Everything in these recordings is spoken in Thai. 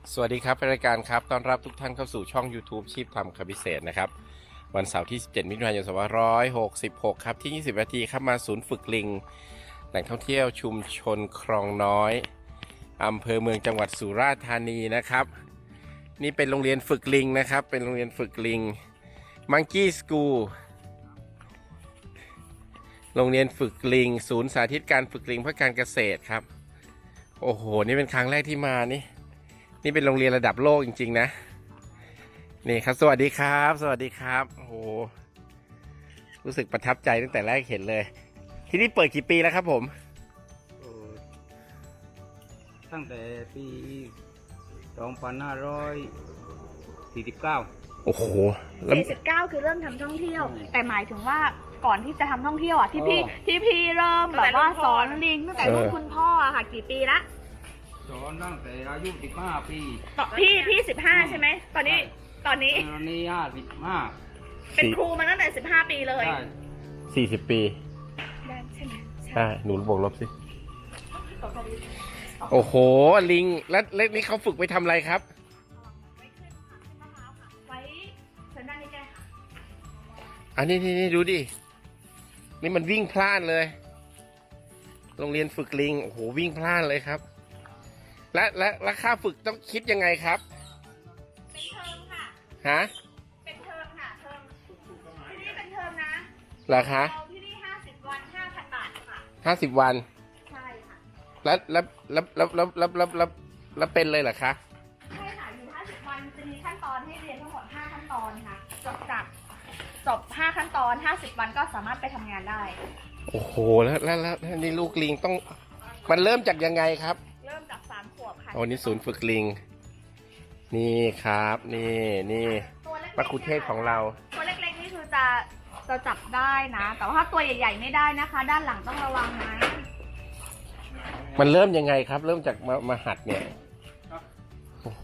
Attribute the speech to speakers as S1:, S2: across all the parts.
S1: สวัสดีครับรายการครับต้อนรับทุกท่านเข้าสู่ช่อง YouTube ชีพทำคำพิเศษนะครับวันเสาร์ที่ 17 มิถุนายน 2566 ครับที่ 20 นาทีครับมาศูนย์ฝึกลิงแหล่งท่องเที่ยวชุมชนคลองน้อยอำเภอเมืองจังหวัดสุราษฎร์ธานีนะครับนี่เป็นโรงเรียนฝึกลิงนะครับเป็นโรงเรียนฝึกลิง Monkey School โรงเรียนฝึกลิงศูนย์สาธิตการฝึกลิงเพื่อการเกษตรครับโอ้โหนี่เป็นครั้งแรกที่มานี่เป็นโรงเรียนระดับโลกจริงๆนะนี่ครับสวัสดีครับสวัสดีครับโอ้โหรู้สึกประทับใจตั้งแต่แรกเห็นเลยที่นี่เปิดกี่ปีแล้วครับผม
S2: ตั้งแต่ปี2549
S1: โอ้โห
S3: 49คือเริ่มทำท่องเที่ยวแต่หมายถึงว่าก่อนที่จะทำท่องเที่ยวอ่ะที่พี่เริ่มแบบว่าสอนลิงตั้งแต่รุ่นคุณพ่ออะค่ะกี่ปีละ
S2: สอนตั้งแต่อายุ15 ปี
S3: พี่15ใช่ไหมตอนนี้
S2: 55
S3: เป็นครูมาตั้งแต่15ปีเลย
S2: ใช่
S1: 40 ปี
S3: ได้ใช่ไหม
S1: ใช่หนูบวกลบสิโอ้โหลิงแล้วนี่เขาฝึกไปทำอะไรครับ
S3: ไว้เชิญด้านนี้แกค่ะ
S1: อันนี้ดูดินี่มันวิ่งพล่านเลยโรงเรียนฝึกลิงโอ้โหวิ่งพล่านเลยครับและค่าฝึกต้องคิดยังไงครับ
S3: เป็นเทอมค่ะ
S1: ฮะ
S3: เป็นเทอมค่ะเทอมที่นี่เป็นเทอมนะ
S1: ราคา
S3: ที่นี่50 วัน 5,000 บาท
S1: 50
S3: ค่ะ
S1: วัน
S3: ใช่ค่ะ
S1: แล้วเป็นเลยเหรอคะ
S3: ใช่ค่ะอยู่50 วันจะมีขั้นตอนให้เรียนทั้งหมด5ขั้นตอนค่ะจบ5ขั้นตอน50 วันก็สามารถไปทำงานได้
S1: โอ้โหแล้วนี่ลูกลิงต้องมันเริ่มจากยังไงครับ
S3: เริ่มจาก3 ขวบค่ะ
S1: อ๋อนี่ศูนย์ฝึกลิงนี่ครับนี่มะคุเทศของเรา
S3: ตัวเล็กๆนี่คือจะจับได้นะแต่ว่าถ้าตัวใหญ่ๆไม่ได้นะคะด้านหลังต้องระวังนะ
S1: มันเริ่มยังไงครับเริ่มจากมาหัดเนี่ยโอ้โห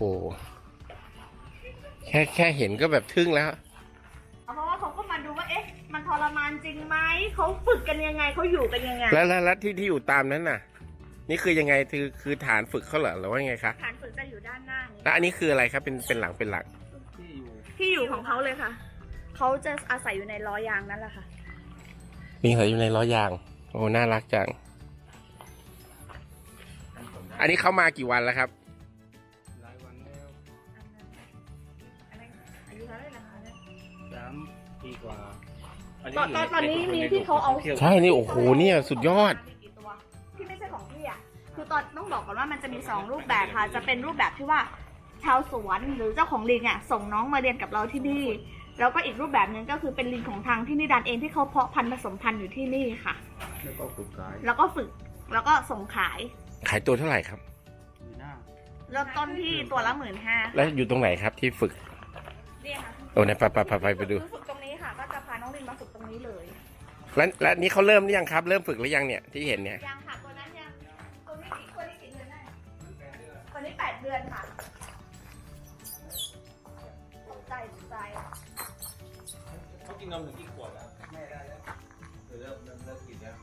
S1: แค่เห็นก็แบบทึ่งแล้ว
S3: เพราะว่าเขาก็มาดูว่าเอ๊ะมันทรมานจริงไหมเขาฝึกกันยังไงเขาอยู่กันยังไง
S1: แล้วที่อยู่ตามนั้นน่ะนี่คือยังไงคือฐานฝึกเขาเหรอหรือว่าไงคะ
S3: ฐานฝึกจะอยู่ด้านหน้า
S1: แล้วอันนี้คืออะไรครับเป็นหลัง
S3: ที่อยู่ของเขาเลยค่ะเขาจะอาศัยอยู่ในล้อยางนั่นแหละค่ะ
S1: ลิงอาศัยอยู่ในล้อยางโอ้น่ารักจังอันนี้เขามากี่วันแล้วครับ
S2: หลายวันแล้ว
S3: อายุเท่าไหร่นะคะ
S2: 3 ปีกว่า
S3: ตอนนี้มีที่เขาเอา
S1: ใช่นี่โอ้โหเนี่ยสุดยอด
S3: ที่ไม่ใช่ของพี่อ่ะคือตอนต้องบอกก่อนว่ามันจะมี2 รูปแบบค่ะจะเป็นรูปแบบที่ว่าชาวสวนหรือเจ้าของลิงอ่ะส่งน้องมาเรียนกับเราที่นี่แล้วก็อีกรูปแบบนึงก็คือเป็นลิงของทางที่นิดานเองที่เขาเพาะพันธุ์ผสมพันธุ์อยู่ที่นี่ค่ะ
S2: แล้วก็ฝึก
S3: แล้วก็ส่งขาย
S1: ตัวเท่าไหร่ครับ
S3: เริ่มต้นที่ตัวละ15,000
S1: แล้วอยู่ตรงไหนครับที่ฝึก
S3: เนี่ยค่ะ
S1: โอ้ไหนไปดู
S3: ฝึกตรงนี้ค่ะก็จะพาน้องลิงมาฝึกตรงนี้เลย
S1: แล้วนี่เขาเริ่มหรือยังครับเริ่มฝึกหรือยังเนี่ยที่เห็นเนี่ย
S3: ยังค่ะตัวนั้นยังตัวนี้กี่เดือนได้ตัวนี้8 เดือนค่ะใจ
S2: เขากินนมถึงกี่ขวบแล้วแม่ได้แล้วเริ่มกินแล้ว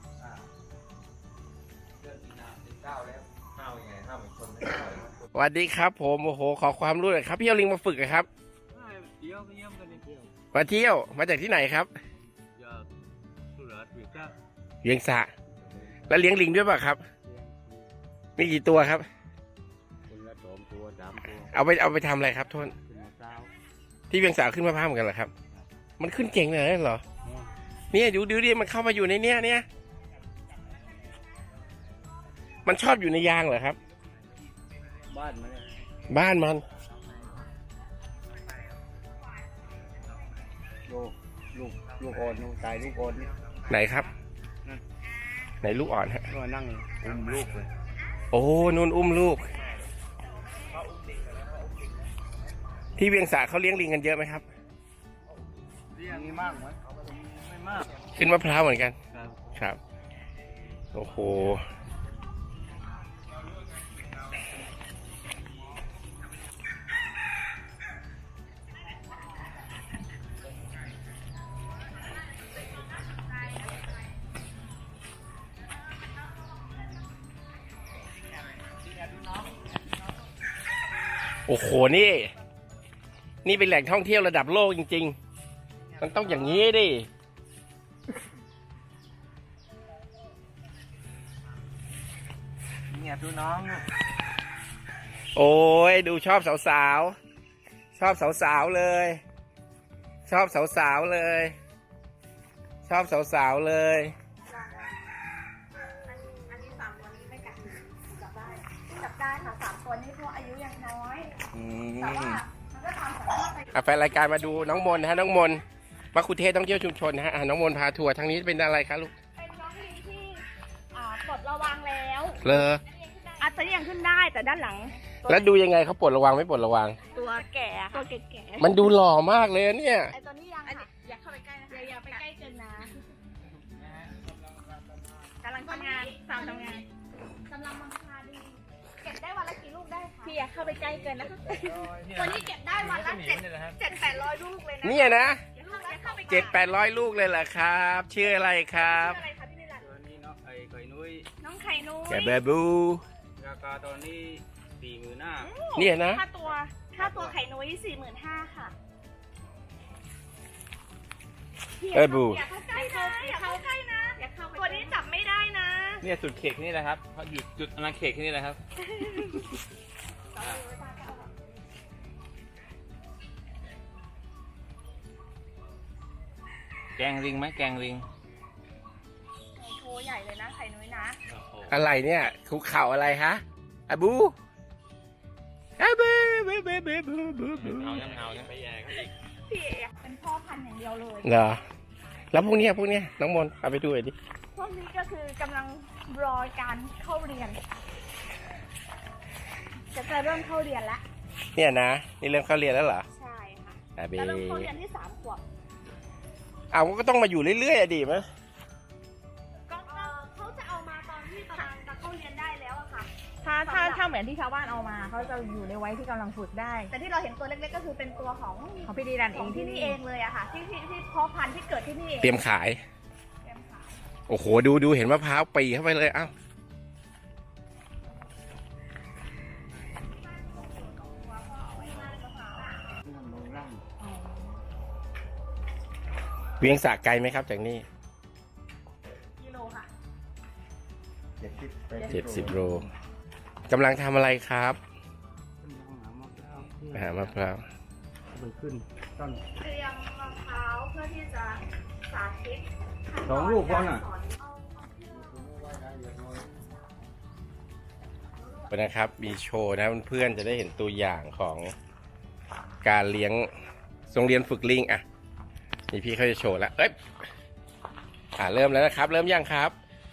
S2: เริ่มกินน้ำ19แล้วข้าวยังไงข้าวเหมือนคนไม่ได้
S1: สวัสดีครับผมโอ้โหขอความรู้หน่อยครับพี่เอาลิงมาฝึกครับ
S2: เที่ยวเยี่ยมกันเที่ยว
S1: มาเที่ยวมาจากที่ไหนครับ
S2: จากสุราษฎร์
S1: เวียงสะแล้วเลี้ยงลิงด้วยป่ะครับมีกี่ตัวครับ
S2: คนละ2 ตัว 3 ตัว
S1: เอาไปทำอะไรครับทุนที่เวียงสาขึ้นมะพร้าวเหมือนกันเหรอครับมันขึ้นเก่งเลยเหรอเนี่ยดูดิมันเข้ามาอยู่ในเนี้ยมันชอบอยู่ในยางเหรอครับ
S2: บ้าน
S1: มัน
S2: ลูกอ่อนตายลูกอ่อน
S1: ไหนครับไหนลูกอ่อนฮะ
S2: ก็นั่งอุ้มลูกเลย
S1: โอ้นุ่นอุ้มลูกที่เวียงสาเขาเลี้ยงลิงกันเยอะไหมครับ
S2: เลี้ยงมากไหมไม่มาก
S1: ขึ้นมะพร้าวเหมือนกันครับโอ้โหโอ้โหนี่เป็นแหล่งท่องเที่ยวระดับโลกจริงๆมันต้องอย่างนี้ดิ
S2: เนี่ยดูน้อง
S1: โอ้ยดูชอบสาวๆชอบสาวๆเลย ชอบสาวๆเลย ชอบสาวๆเลย
S3: อันนี้3 ตัวนี้ไม่กัดจับได้ค่ะ3 ตัวนี้เพราะอายุยังน้อยแต่ว่ามันก็ตามสามารถไป
S1: แฟนรายการมาดูน้องมนนะฮะน้องมนมัคคุเทศก์ท่องเที่ยวชุมชนนะฮะน้องมนพาทัวร์ทางนี้เป็นอะไรคะลูก
S3: เป็นน้องลิงที่ปลดระวังแล้ว
S1: เลอ
S3: อาจจะยังขึ้นได้แต่ด้านหลัง
S1: แล้วดูยังไงเขาปลดระวังไม่ปลดระวัง
S3: ตัวแก่ตัวแก่
S1: มันดูหล่อมากเลยเนี่ย
S3: ไอตัวนี้ยังค่ะอย่าเข้าไปใกล้นะอย่าไปใกล้เกินนะกำลังทำงานสาวทำงานกำลังมังคาดีเก็บได้วันละกี่ลูกได้คะพี่อย่าเข้าไปใกล้เกินนะคะตัวนี้เก็บได้วันละ700-800 ลูกเลยนะ
S1: เนี่ยนะ
S3: อย่าเข้าไปใกล้
S1: 700-800 ลูกเลยเหรอครับชื่ออะไรครับ
S3: ชื่ออะไรคะพี่นิรันดร์
S2: ตัวนี้เนาะไอ้ไข่นุ้ย
S3: น้องไข่นุ้ย
S1: แกเบบู
S2: ราคาตอนนี้40,000
S1: เนี่ยนะ
S3: ค่าตัวไข่นุ้ย45,000ค่ะ
S1: บู
S3: อย่าเข้าใกล้นะอย่าเข้าใกล้นะตัวนี้จับไม่ได้นะ
S2: เนี่ยสุดเขตนี่แหละครับเขาหยุดจุดอนาเขตนี่แหละครับแกงลิงไหมแกงลิง
S3: โชว์ใหญ่เลยนะไข่นุ้ยนะ
S1: อะไรเนี่ยคุกเข่าอะไรฮะอะบูอะบูบูบูบูบูบูบู
S2: เอาไปแย่เขาอีก
S3: พี่เอเป็นพ่อพันธุ์อย่างเดียวเลย
S1: เหรอแล้วพวกเนี้ยน้องมนเอาไปดูหน่อยดิ
S3: พวกนี้ก็คือกำลังรอการเข้าเรียน จะเริ่มเข้าเรียนแล้ว
S1: เนี่ยนะนี่เริ่มเข้าเรียนแล้วเหรอ
S3: ใช่ค่ะ
S1: อะเบ
S3: จะเริ่มเข้าเรียนที่3 ขวบ
S1: เอาก็ต้องมาอยู่เรื่อยๆอะดีมั้ย
S3: ก็เขาจะเอามาตอนที่กำลังจะเข้าเรียนได้แล้วอะค่ะถ้าเหมือนที่ชาวบ้านเอามาเขาจะอยู่ในวัยที่กำลังฝึกได้ แต่ที่เราเห็นตัวเล็กๆก็คือเป็นตัวของพี่ดีรันเองที่นี่เองเลยอะค่ะที่เพาะพันธุ์ที่เกิดที่นี่เอง
S1: เตรียมขาย
S3: เตรียมขาย
S1: โอ้โหดูเห็นมะพร้าวปีเข้าไปเลยอ้าวเวียงสะไกลไหมครับจากนี่
S3: กิโลค่ะ
S1: 70 โลกำลังทำอะไรครับไปหามะพร้าว
S2: มันขึ้นต้น
S3: เตรียมมะพร้าวเพื่อที่จะสาธิต
S2: 2 ลูกพอน่ะ
S1: นะครับมีโชว์นะเพื่อนๆจะได้เห็นตัวอย่างของการเลี้ยงโรงเรียนฝึกลิงอ่ะนี่พี่เขาจะโชว์แล้วเอ้ยเริ่มแล้วนะครับ เริ่มยังครับ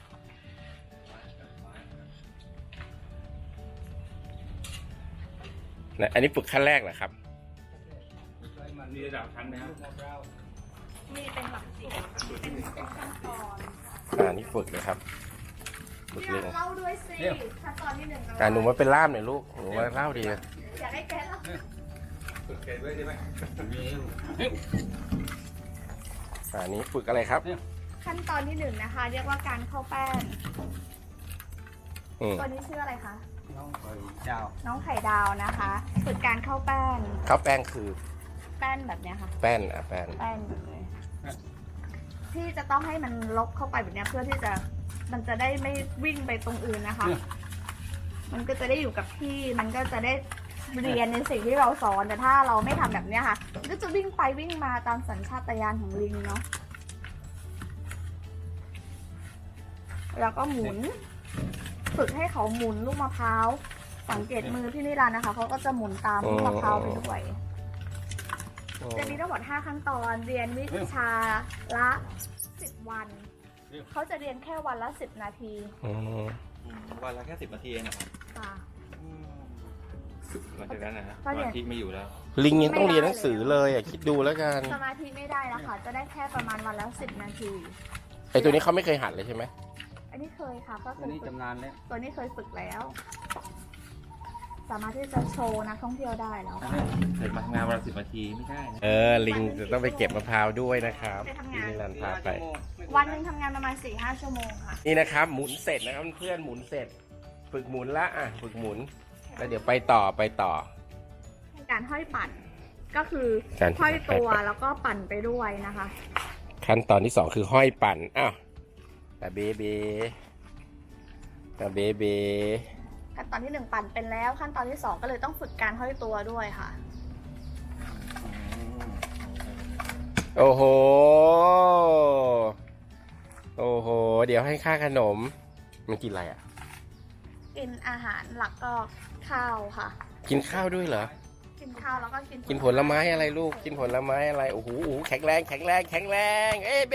S1: นะอันนี้ฝึกขั้นแรกเหรอครับ
S2: มันมีระดับชั้นไหมครับ
S3: มีเป็นหลักสิบเป็นขั้นตอน
S1: นี่ฝึกนะครับฝึก
S3: เรี
S1: ลิ
S3: ย
S1: ง
S3: กเล่าด้วยสิขั้นตอนที่ 1
S1: หนูมาเป็นล่ามหน่อยลูกหนูมาเล่าดี
S3: อยากให้แกเล่า
S2: สุดเขตด้วยใช่ไหมมี
S1: นี้ฝึกอะไรครับ
S3: ขั้นตอนที่ 1 นะคะ เรียกว่าการเข้าแป้ง
S1: อืม
S3: ตัวนี้ชื่ออะไรคะ
S2: น้องไข่เจ้า
S3: น้องไข่ดาวนะคะฝึกการเข้าแป้ง
S1: ข้าวแป้งคือ
S3: แป้นแบบเนี้ยค่ะ
S1: แป้นแป้น
S3: แป้นแบบนี้ที่จะต้องให้มันลกเข้าไปแบบเนี้ยเพื่อที่จะมันจะได้ไม่วิ่งไปตรงอื่นนะคะ มันก็จะได้อยู่กับที่มันก็จะได้เรียนในสิ่งที่เราสอนแต่ถ้าเราไม่ทำแบบเนี้ยค่ะมันก็จะวิ่งไปวิ่งมาตามสัญชาตญาณของลิงเนาะแล้วก็หมุน ฝึกให้เขาหมุนลูกมะพร้าวสังเกตมือพี่นิรันดร์นะคะเขาก็จะหมุนตามลูกมะพร้าวไปด้วยจะมีทั้งหมด5 ขั้นตอนเรียนวิชาละ10 วันเขาจะเรียนแค่วันละ10 นาที
S2: วันละแค่10 นาทีเองนะครับ
S3: ค่ะ
S2: หลังจากนั้นนะฮะ
S3: ก็
S2: ส
S3: เรียน
S2: มาธิไม่อยู่แล้ว
S1: ลิงยังต้องเรียนหนังสือเลยคิดดูแล้วกัน
S3: สมาธิไม่ได้แล้วค่ะจะได้แค่ประมาณวันละ10 นาที
S1: ไอตัวนี้เขาไม่เคยหัดเลยใช่ไหม
S3: อันนี้เคยค่ะก็เค
S2: อัน
S3: ย
S2: นี้
S3: ฝึก
S2: จำนานแล้ว
S3: ตัวนี้เคยฝึกแล้ว สามารถที่จะโชว์นักท่องเที่ยวได้แล้ว
S2: อันนี้เกิดมาทำงานวันละ10 นาทีไม่ได้นะ
S1: ลิงจะต้องไปเก็บมะพร้าวด้วยนะครับ
S3: ไปทำ
S1: พี่
S3: งาน
S1: นิรันดร์พาไป
S3: วันหนึ่งทำงานประมาณ 4-5 ชั่วโมงค่ะ
S1: นี่นะครับหมุนเสร็จนะครับเพื่อนหมุนเสร็จ ฝึกหมุนละฝึกหมุนแล้วเดี๋ยวไปต่อ
S3: การห้อยปั่นก็คือ
S1: การ
S3: ห้อยตัวแล้วก็ปั่นไปด้วยนะคะ
S1: ขั้นตอนที่สองคือห้อยปั่นอ้าวแต่เบเบแต่เบเบ
S3: ขั้นตอนที่ 1 ปั่นเป็นแล้วขั้นตอนที่ 2 ก็เลยต้องฝึกการห้อยตัวด้วยค่ะ
S1: โอ้โหโอ้โหเดี๋ยวให้ค่าขนมมันกินอะไรอ่ะ
S3: กินอาหารหลักก็ข้าวค่ะ
S1: กินข้าวด้วยเหรอ
S3: กินข้าวแล้วก็
S1: กินผลไม้อะไรลูกกินผลไม้อะไรโอ้โหแข็งแรงแข็งแรงแข็งแรงเอ้เบ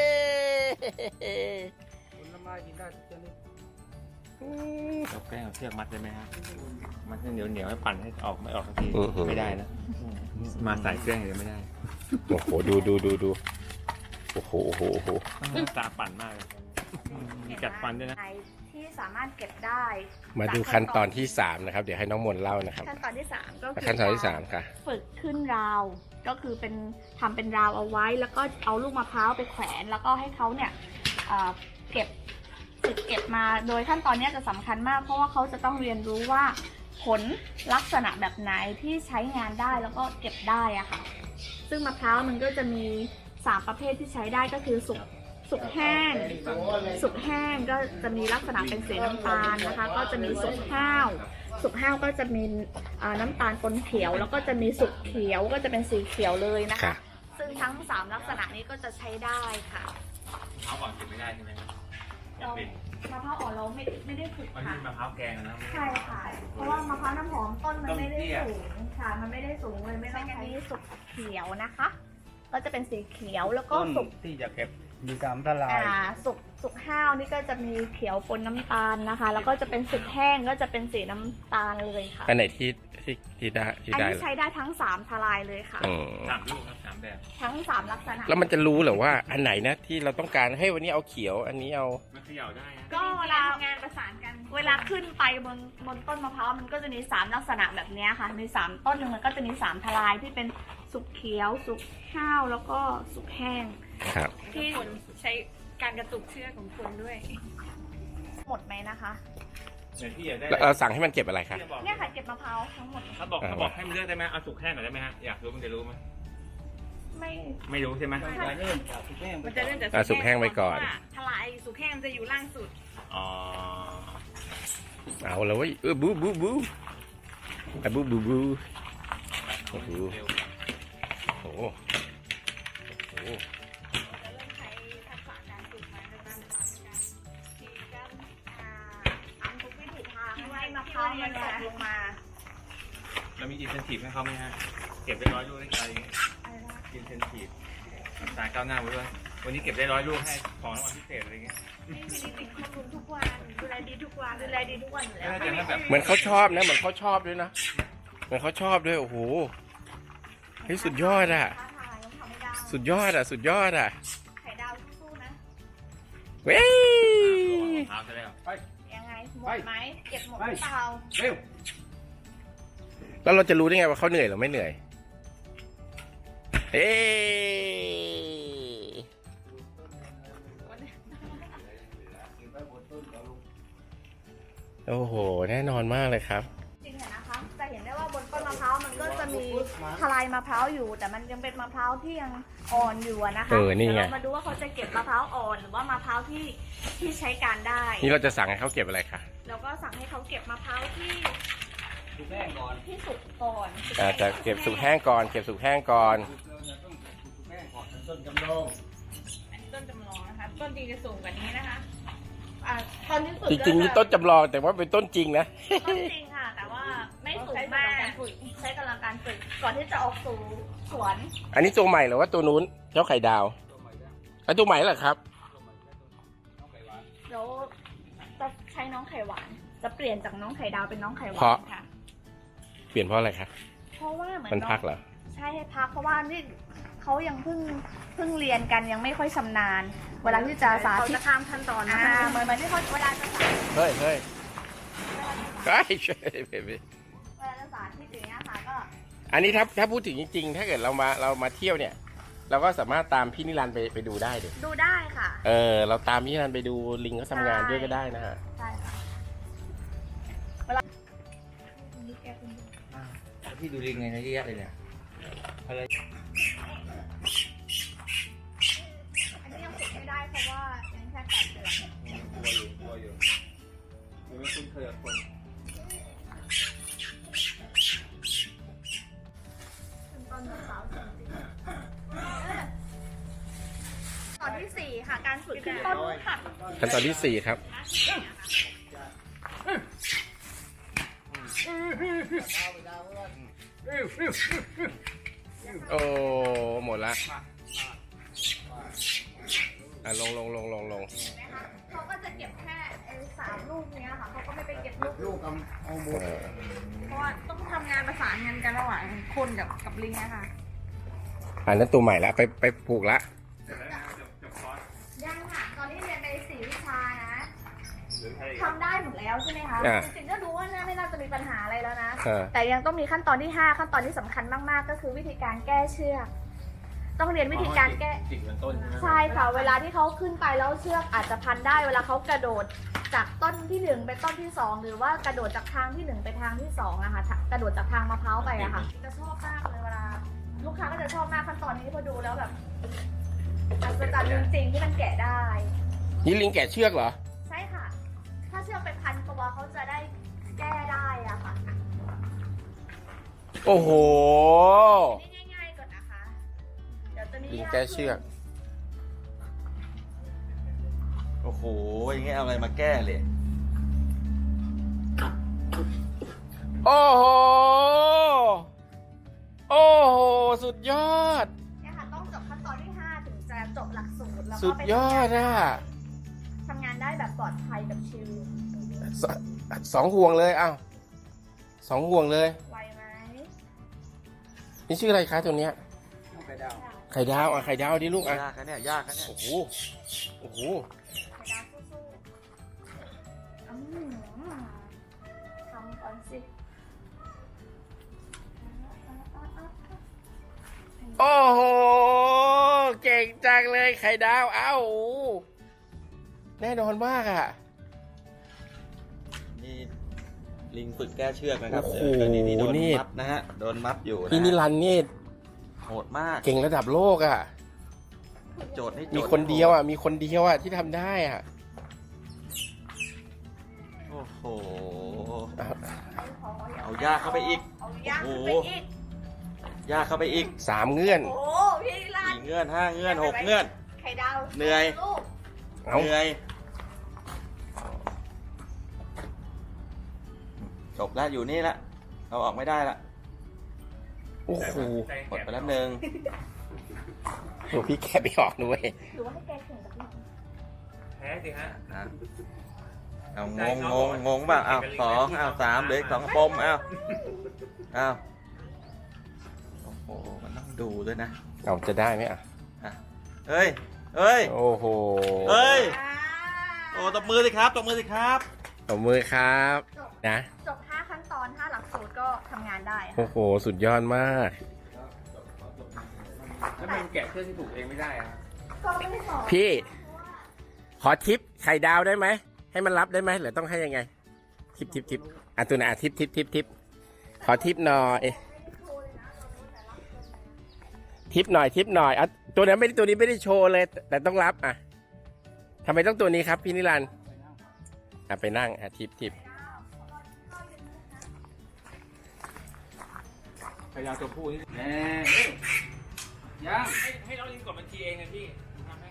S2: ผลไม้กินได้ทุกชนิด
S4: เอาแป้งเอาเชือกมัดได้ไหมครับมัดให้เหนียวให้ปั่นให้ออกไม่ออกสักทีไม่ได้นะมาใส่เครื่องเลยไม่ได้
S1: โอ้โหดูโอ้โหโอ้โหโอ้โห
S4: ตาปั่นมากเลยมีกัดฟันด้วยนะ
S3: ที่สามารถเก็บได้
S1: มาดูขั้นตอนที่3นะครับเดี๋ยวให้น้องมนต์เล่านะครับ
S3: ขั้นตอนที่ 3 ก็คือ
S1: ขั้นตอนที่3ค่ะ
S3: ฝึกขึ้นราวก็คือเป็นทำเป็นราวเอาไว้ แล้วก็เอาลูกมะพร้าวไปแขวนแล้วก็ให้เขาเนี่ยเก็บฝึกเก็บมาโดยขั้นตอนนี้จะสำคัญมากเพราะว่าเขาจะต้องเรียนรู้ว่าผลลักษณะแบบไหนที่ใช้งานได้แล้วก็เก็บได้อะค่ะซึ่งมะพร้าวมันก็จะมี3ประเภทที่ใช้ได้ก็คือสุกแห้งก็จะมีลักษณะเป็นสีน้ำตาลนะคะก็จะมีสุกห้าวก็จะมีน้ำตาลปนเขียวแล้วก็จะมีสุกเขียวก็จะเป็นสีเขียวเลยนะ
S1: ค่ะ
S3: คะซึ่งทั้ง3ลักษณะนี้ก็จะใช้ได้ค่ะ
S4: เอาก่อนกินไม่ได้ใช่ไหมครับ
S3: เรามะพร้าวอ่อนเราไม่ได้ฝึก
S4: มัน
S3: ค่ะ
S4: เป็นมะพร้าวแกงนะ
S3: ใช่ค่ะเพราะว่ามะพร้าวน้ำหอมต้นมันไม่ได้สูงค่ะมันไม่ได้สูงเลยไม่ต้องใช้สุกเขียวนะคะ ก็จะเป็นสีเขียวแล้วก็
S2: ต้น
S3: สุก
S2: ที่จะเก็บมีสามทลาย
S3: สุกห้าวนี่ก็จะมีเขียวปนน้ำตาลนะคะ แล้วก็จะเป็นสุกแห้งก็จะเป็นสีน้ำตาลเลยค่ะ
S1: อันไหนที่ได้
S3: อัน
S1: ได้
S3: นี้ใช้ได้ทั้ง3ทลายเลยค่ะ
S1: อืม
S4: 3 ลูกครับ3 แบบ
S3: ทั้ง3ลักษณะ
S1: แล้วมันจะรู้เหรอว่าอันไหนนะที่เราต้องการให้วันนี้เอาเขียวอันนี้เอา
S4: มันเขย่าได้นะ
S3: ก็เวลางานประสานกัน เวลาขึ้นไปบนต้นมะพร้าวมันก็จะมี3ลักษณะแบบนี้ค่ะมี3ต้นหนึ่งมันก็จะมี3ทลายที่เป็นสุกเขียวสุกห้าวแล้วก็สุกแห้ง
S1: ครับ
S3: ที่ใช้การกระตุกเชือกของคนด้วย หมดไหมนะคะ
S4: เดี๋ยวพี่อยากได้
S1: แล้วเราสั่งให้มันเก็บอะไรคะ
S3: เนี่ยค่ะเก็บมะพร้าวทั้งหมด
S4: เขาบอกให้มันเลือกได้ไหมเอาสุกแห้งหน่อยได้ไหมฮะอยากรู้มันจะรู้ไหม
S3: ไม่
S4: ไม่รู้ใช่ไหม
S2: มันจะเริ่มจากทุกแม่
S5: มันจะเริ่มจาก
S1: สุกแห้งไปก่อน
S5: เพราะว่าทลายสุกแห้งมันจะอยู่ล่างสุด
S4: อ๋อ
S1: เอาแล้วเว้ยบูบูบูอ่ะบูบูบูโอ้โห
S4: เร็ว
S1: โอ้โหโอ้โห
S3: เริ่มใช้ทักษะการฝึกมาในการฉีกกันทำทุกวิถีทางให้มะพร้าวมันตกลงมา
S4: แล้วมีอินเซนทีฟให้เขาไหมฮะเก็บได้100 ลูกได้อะไรอย่างเงี้ยอินเซนทีฟสายก้าวหน้าไปด้วยวันนี้เก็บได้100 ลูกให้ของรางวัลพิเศษอะไรเงี้ย
S3: นี่คือติดข้อมูลทุกวันดูแลดีทุกวันดูแลดีทุกวันอยู่แล้ว
S4: น่าจะแบบ
S1: เหมือนเขาชอบนะเหมือนเขาชอบด้วยนะเหมือนเขาชอบด้วยโอ้โหเฮ้ยสุดยอดอ่ะ
S3: ท้าทายต้องทำให้ได้
S1: สุดยอดอ่ะสุดยอดอ่ะ
S3: ไข่ดาวสู้ๆนะ
S1: เว้ย
S4: เท้าซะแล้ว
S3: ยังไงหมดไหมเก็บหมดหรือเปล่า
S2: เร็ว
S1: แล้วเราจะรู้ได้ไงว่าเขาเหนื่อยหรือไม่เหนื่อยเฮ้โอ้โหแน่นอนมากเลยครับ
S3: จริงๆอะนะคะจะเห็นได้ว่าบนต้นมะพร้าวมันก็จะมีทลายมะพร้าวอยู่ แต่มันยังเป็นมะพร้าวที่ยังอ่อนอยู่อะนะคะ
S1: นี่ไง
S3: เดี๋ยวเรามาดูว่าเขาจะเก็บมะพร้าวอ่อนหรือว่ามะพร้าวที่ใช้การได้
S1: นี่เราจะสั่งให้เขาเก็บอะไรคะ
S3: แล้วก็สั่งให้เขาเก็บมะพร้าวที่
S2: ทุกแม่ก่อน
S3: ที่สุกก่อน
S1: จะเก็บสุกแห้งก่อนเก็บสุกแห้งก่อน
S2: เราจะต้องทุกแม่ก่อนต้นจำลอง
S5: อันนี้ต้นจำลองนะคะ ต้นจริงจะสูงกว่านี้นะคะ
S3: ตอนที่สุด
S1: จริงๆนี่ต้นจำลองแต่ว่าเป็นต้นจริงนะ
S3: ต้นจริงค่ะ แต่ว่าไม่สูงมากใช้กำลังการฝึกก่อนที่จะออกสู่สวน
S1: อันนี้ตัวใหม่หรือว่าตัวนู้นเจ้าไข่ดาว
S2: ตัวใหม่แล้ว
S1: ไอ้ตัวใหม่เหรอครับ
S2: ตัวใหม่แล้วน้องไก่หวาน
S3: แล้วจะใช้น้องไข่หวาน จะเปลี่ยนจากน้องไข่ดาวเป็นน้องไข่หวา
S1: เพราะ
S3: นค่ะ
S1: เปลี่ยนเพราะอะไรคะ
S3: เพราะว่าเหมือน
S1: มัน
S3: น้อง
S1: พักเหรอ
S3: ใช่ให้พักเพราะว่านี่เขายังเพิ่งเรียนกันยังไม่ค่อยชำนาญ เวลาที่จะสา
S5: เขา
S3: ธิต
S5: จะข้ามขั้นตอนนะ
S3: เหมือนที่เขาเวลาจะสาธิต
S1: เฮ้ยเฮ้ยเฮ้ย
S3: เวลาจะสาธิตอย่างเงี้ยค่ะก็
S1: อันนี้ถ้าพูดถึงจริงๆ ถ้าเกิดเรามาเที่ยวเนี่ย เราก็สามารถตามพี่นิรันดร์ไปดูได้ดิ
S3: ดูได้ค่ะ
S1: เราตามพี่นิรันดร์ไปดูลิงเขาทำงานด้วยก็ได้นะฮะ
S3: ใช่ค่ะ
S2: พี่ดูลิงไงนะเยอะแยะเลยเนี่ยอะไร
S3: อันนี้ยังฝึกไม่ได้เพราะว่ายังแค่8 เดือน
S4: กลัวอยู่ยังไม่คุ้นเคยกับคน
S3: เป็นตอนสาวจริงๆตอนที่ 4 ค่ะ การฝึกขึ้นต้นค่ะ
S1: ขั้นตอนที่ 4 ครับ โอ้ หมดละอ่ะลง
S3: เห็นไหมคะเขาก็จะเก็บแค่3 ลูกเนี้ยค่ะเขาก็ไม่ไปเก็บลูก
S2: เอาหมด
S3: เพราะว่าต้องทำงานประสานงานกันระหว่างคนกับลิงนะคะ
S1: อันนั้นตัวใหม่ละไปผูกละ
S4: เสร็จแล้วนะจบคอร์ส
S3: ยังค่ะ ตอนนี้เรียนไป4 วิชานะ
S4: หรือใคร
S3: ทำได้หมดแล้วใช่ไหมคะ
S1: อ่า
S3: จริงๆก็ดูว่าไม่น่าจะมีปัญหาอะไรแล้วนะ
S1: อ่า
S3: แต่ยังต้องมีขั้นตอนที่ 5 ขั้นตอนที่สำคัญมากๆ ก็คือวิธีการแก้เชือก ต้องเรียนวิธีการแก้
S4: จิกเหมือนต้นใช่ไหม
S3: ใช่ค่ะ เวลาที่เขาขึ้นไปแล้วเชือกอาจจะพันได้ เวลาเขากระโดดจากต้นที่ 1 ไปต้นที่ 2 หรือว่ากระโดดจากทางที่ 1 ไปทางที่2อะค่ะ กระโดดจากทางมะพร้าวไปอะค่ะ จะชอบมากเลยเวลา ลูกค้าก็จะชอบมากขั้นตอนนี้พอดูแล้วแบบอัศจรรย์จริงๆที่มันแกะได้
S1: นี่ลิงแกะเชือกเหรอ
S3: ใช่ค่ะ ถ้าเชือกไปพันตัวเขาจะได้แก้ได้อะค่ะ
S1: โอ้โห
S3: นี่ง่ายๆก่อนนะคะ เดี๋ยวตัวนี้
S1: ลิงแกะเชือก
S2: โอ้โหอย่างเงี้ยเอาอะไรมาแก้เลย
S1: โอ้โห โอ้โห สุดยอด
S3: เนี่ยค่ะต้องจบขั้นตอนที่ 5 ถึงจะจบหลักสูตรแล้ว
S1: สุ
S3: ก็
S1: ด
S3: ไป
S1: ยอดอ่ะ
S3: ทำงานได้แบบปลอดภัยแบบชิล
S1: สองห่วงเลยอ้าว2 ห่วงเลย
S3: ไวไหม
S1: นี่ชื่ออะไรคะตัวเนี้ย
S2: ไข่ดาว
S1: ไข่ดาวอ่ะ ไข่ดาวดิลูกอ่ะ
S2: ยากนะเนี่ยยากนะเนี่ย
S1: โอ้โห โอ้โห
S3: ไข่ดาวสู้ๆทำก่อนสิ
S1: โอ้โห เก่งจังเลยไข่ดาว เอ้า แน่นอนมากอ่ะ
S2: นี่ลิงฝึกแก้เชือกนะครับ
S1: โอ้โห
S2: นี่โดน
S1: นี่
S2: มัดนะฮะโดนมัดอยู่นะ
S1: พี่นิรันดร์นี่
S2: โหดมาก
S1: เก่งระดับโลกอ่ะ
S2: โจทย์นี่โจท
S1: มีคนเดียวอ่ะ มีคนเดียวอ่ะที่ทำได้อ่ะ
S2: โอ้โห
S1: อ่ะ
S2: เอายากเข้าไปอีก
S3: เอายากขึ้นไปอีก
S2: ยากเข้าไปอีก
S1: 3 เงื่อน
S3: โอ้พี่รัน
S2: 4 เงื่อน 5 เงื่อน 6 เงื่อน
S3: ไข่ดาว
S2: เหนื่อย
S3: ลูก
S1: เอ้า
S2: เหนื่อยจบแล้วอยู่นี่ละเอาออกไม่ได้ละ
S1: โอ้โห
S2: หมดไปแล้วหนึ่ง
S1: โอ้พี่แกะไม่ออกด้วย
S3: หรือว่าให้แกแข่งกับพี่
S4: แพ้สิฮะ
S2: อ่ะเอางงป่ะเอา2เอา3เหลืออีก2กระปมเอาโอ้โหมันต้องดูด้วยนะ
S1: เอาจะได้ไหมอ่ะ
S2: อ่ะเฮ้ยเฮ้ย
S1: โอ้โห
S2: เฮ้ย
S3: อ่า
S2: โอ้ตบมือสิครับตบมือสิครับ
S1: ตบมือครับ
S3: จบ
S1: นะ
S3: จบ5 ขั้นตอน 5 หลักสูตรก็ทำงานได้ค่ะ
S1: โอ้โห สุดยอดมาก
S4: แล้วมันแกะเชือกที่ถูกเองไม่ได้อะ
S3: ก็ไม่ได้สอน
S1: พี่ ขอทิปไข่ดาวได้ไหม ให้มันรับได้ไหมหรือต้องให้ยังไง ทิปอ่ะตัวไหนอ่ะทิปขอทิปหน่อยทิปหน่อยอ่ะตัวนี้ไม่ได้โชว์เลย แต่ต้องรับอ่ะทำไมต้องตัวนี้ครับพี่นิรันดร์อ่ะไปนั่งอ่ะทิป
S4: พยายามตัวผู้นี่แน่ยังให้น้องลิงกดบัญชีเองไงพี่ทำให้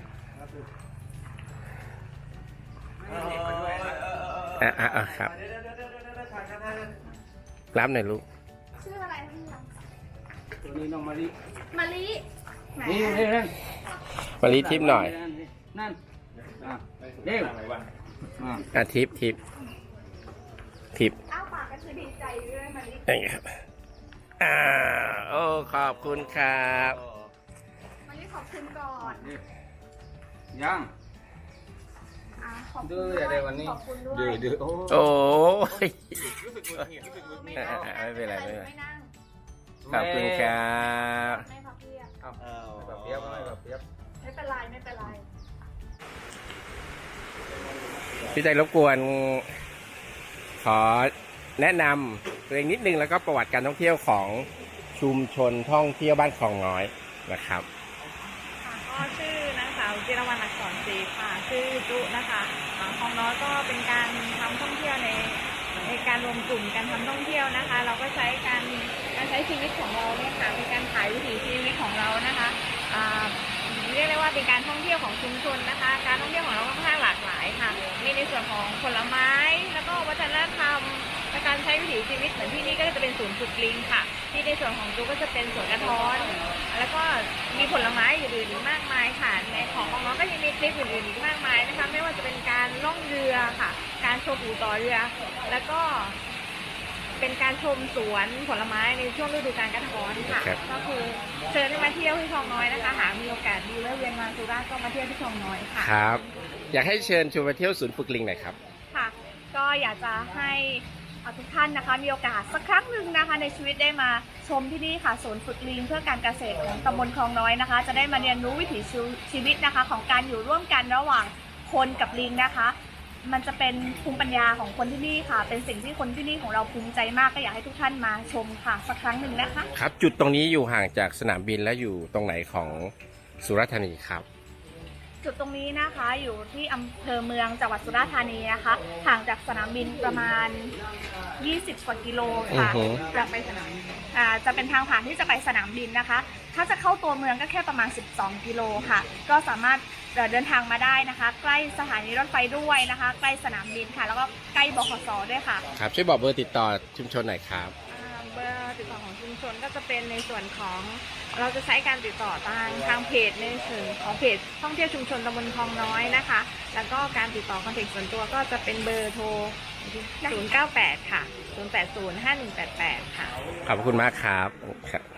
S4: ไม่ให้เด็กมาด้วยนะ
S1: อ่ะครับ รับหน่อยลูก
S3: ชื่ออะไรคะพี่รัน
S4: ตัวนี้น้องมาลิ
S3: มะลิแหม
S4: นี่นั่น
S1: มารีทิปหน่อย
S4: นั่นเร็วอะไรวะ
S1: อ่ะทิป
S3: อ้าวปากก็คือดีใจด้วยมะลิ
S1: อย่างเงี้ยครับโอ้ขอบคุณครับ
S3: มะลิขอบคุณก่อน
S4: ยัง
S3: ขอบคุณ
S4: ดื้ออย่าได้วันนี้
S3: ขอบคุณด้วย
S2: ดื้อโอ้
S1: โอ้ย
S4: รู้สึกมึนหิดรู้สึกมึน
S3: ไม่
S4: หิด
S3: นั่ง
S1: ไม่เป็นไร
S3: ไม่นั่ง
S1: ขอบคุณครับ
S3: ไม่พับเพียบ
S2: แบบเปียบแบบเปียบ
S3: ไม่เป็นไรไม่เป็นไร
S1: พี่ใจรบกวน ขอแนะนำตัวเองนิดนึงแล้วก็ประวัติการท่องเที่ยวของชุมชนท่องเที่ยวบ้านคลองน้อยนะครับ
S5: ค่ะก็ชื่อนางสาวจิรวรรณอักษรศรีค่ะชื่อจุนะคะคลองน้อยก็เป็นการทำท่องเที่ยวในการรวมกลุ่มการทำท่องเที่ยวนะคะ เราก็ใช้การใช้ชีวิตของเราเนี่ยค่ะเป็นการถ่ายวิถีชีวิตของเรานะคะเรียกได้ว่าเป็นการท่องเที่ยวของชุมชนนะคะ การท่องเที่ยวของเราค่อนข้างหลากหลายค่ะมีในส่วนของผลไม้แล้วก็วัฒนธรรมและการใช้วิถีชีวิตเหมือนที่นี่ก็จะเป็นศูนย์ฝึกลิงค่ะที่ในส่วนของจุก็จะเป็นสวนกระท้อนแล้วก็มีผลไม้อื่นๆอีกมากมายค่ะในของน้องก็ยังมีคลิปอื่นๆอีกมากมายนะคะไม่ว่าจะเป็นการล่องเรือค่ะการโชว์ปูต่อเรือแล้วก็เป็นการชมสวนผลไม้ในช่วงฤดูกาลกระท้อนค่ะ
S1: ครับ
S5: ก็คือเชิญให้มาเที่ยวที่คลองน้อยนะคะหากมีโอกาสดีแวะเวียนมาสุราษฎร์ก็มาเที่ยวที่คลองน้อยค่ะ
S1: ครับ อยากให้เชิญชวนมาเที่ยวศูนย์ฝึกลิงหน่อยครับ
S3: ค่ะ ก็อยากจะให้ทุกท่านนะคะมีโอกาสสักครั้งหนึ่งนะคะในชีวิตได้มาชมที่นี่ค่ะศูนย์ฝึกลิงเพื่อการเกษตรของตำบลคลองน้อยนะคะ จะได้มาเรียนรู้วิถีชีวิตนะคะของการอยู่ร่วมกันระหว่างคนกับลิงนะคะ มันจะเป็นภูมิปัญญาของคนที่นี่ค่ะ เป็นสิ่งที่คนที่นี่ของเราภูมิใจมากก็อยากให้ทุกท่านมาชมค่ะสักครั้งหนึ่งนะคะ
S1: ครับ จุดตรงนี้อยู่ห่างจากสนามบินและอยู่ตรงไหนของสุราษฎร์ธานีครับ
S3: จุดตรงนี้นะคะอยู่ที่อำเภอเมืองจังหวัดสุราษฎร์ธานีนะคะห่างจากสนามบินประมาณ 20 กว่ากิโลค่ะ
S1: อือฮึ
S3: จะไปสนามบินจะเป็นทางผ่านที่จะไปสนามบินนะคะ ถ้าจะเข้าตัวเมืองก็แค่ประมาณ 12 กิโลค่ะ ก็สามารถเดินทางมาได้นะคะ ใกล้สถานีรถไฟด้วยนะคะ ใกล้สนามบินค่ะ แล้วก็ใกล้บขสด้วยค่ะ
S1: ครับ ช่วยบอกเบอร์ติดต่อชุมชนหน่อยครับ
S5: เบอร์ติดต่อของชุมชนก็จะเป็นในส่วนของเราจะใช้การติดต่อทางเพจในส่วนของเพจท่องเที่ยวชุมชนตำบลคลองน้อยนะคะ แล้วก็การติดต่อคอนแทคส่วนตัวก็จะเป็นเบอร์โทร 098 ค่ะ 080 5188 ค่ะ
S1: ขอบคุณมากครับ